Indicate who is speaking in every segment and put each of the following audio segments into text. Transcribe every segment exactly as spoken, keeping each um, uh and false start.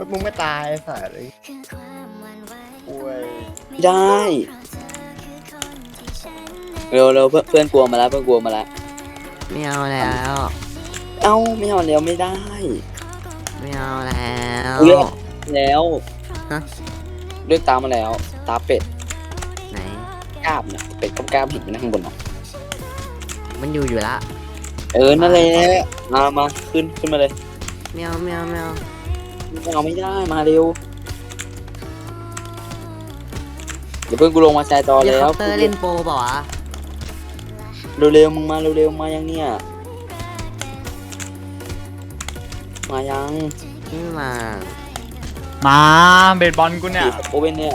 Speaker 1: มึงไม่ตายไอ้สัตว์เลยป่วย
Speaker 2: ไม่ได้เร็วเร็วเพื่อนเพื่อนกลัวมาแล้วเพื่อนกลัวมาแล้ว
Speaker 3: ไม่เอาแล้ว
Speaker 2: เอ้าไม่เอาแล้วไม่ได้
Speaker 3: ไม่เอาแล้ว
Speaker 2: เลือกแล้ว
Speaker 3: ฮะ
Speaker 2: เลือกตามมาแล้ว ตาเป็ด
Speaker 3: ไหน
Speaker 2: กล้ามเนี่ยเป็ดกับกล้ามเห็นอยู่นะข้างบนเนาะ
Speaker 3: มันอยู่อยู่ละ
Speaker 2: เออนั่นแหละมามาขึ้นขึ้นมาเลย
Speaker 3: ไม่เอาไม่เอาไม่เอา
Speaker 2: ไม่เอาไม่ได้มาเร็วเดี๋ยวเพื่อนกูลงมาแชร์จอ
Speaker 3: เฮลิ
Speaker 2: แล้
Speaker 3: คว อปเตอร์เล่นโปรเปล่าวะ
Speaker 2: เร็วๆมึงมาเร็วๆมายังเนี่ยมายัง
Speaker 3: ไม่มา
Speaker 4: มาเบสบอลกูเนี่ย
Speaker 2: โอเว่นเนี่ย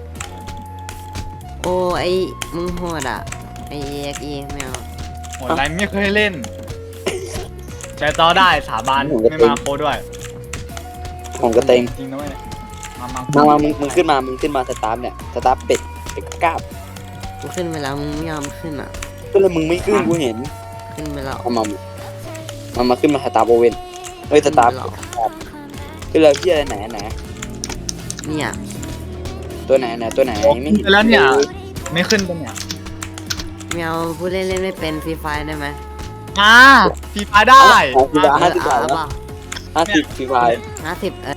Speaker 3: โอ้ไอมึงโหดอ่ะไอเอ็กอีไม่เอา
Speaker 4: โหอะไรไม่เคยเล่นแชร์จอได้สาบานไม่มาโคด้วย
Speaker 2: ของกระเตง
Speaker 4: จริงนะเว้ยมามา
Speaker 2: มามามึงมึงขึ้นมามึงขึ้นมาสตาร์ทเนี่ยสตาร์ทเป็ดเป็ดกับกล้าม
Speaker 3: กูขึ้นไปแล้วมึงไม่ยอมขึ้นอ่ะ
Speaker 2: ก็เลยมึงไม่ขึ้นกูเห็น
Speaker 3: ขึ้นไปแล้ว
Speaker 2: เอามามามาขึ้นมาสตาร์โอเว่นเฮ้ยสตาร์
Speaker 3: ขึ้นไปแล้ว
Speaker 2: ขึ้นเลยพี่อะไรไหนไหน
Speaker 3: เนี่ย
Speaker 2: ตัวไหนไหนตัวไหนไม่เห็น
Speaker 4: แล้วเนี่ยไม่ขึ้นปะเนี่ย
Speaker 3: ไม่เอาผู้เล่นเล่นไม่เป็นฟรีไฟได้ไหม
Speaker 4: มาฟีฟาได้
Speaker 2: ของกูจะห้าสิบ
Speaker 3: เอ
Speaker 2: บา
Speaker 3: อ
Speaker 2: ท
Speaker 3: เอา
Speaker 2: แล้ว
Speaker 3: เปล่า
Speaker 2: ห้าสิบฟรีไฟ
Speaker 3: ห้าสิบเออ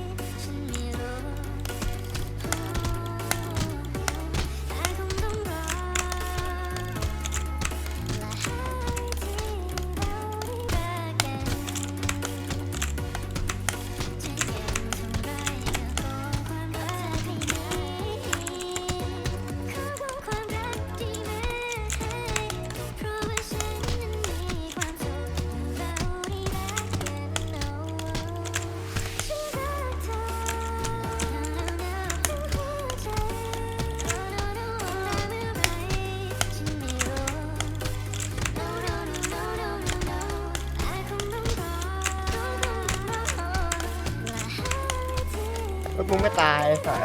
Speaker 1: มึงไม่ตายไอ้สัตว์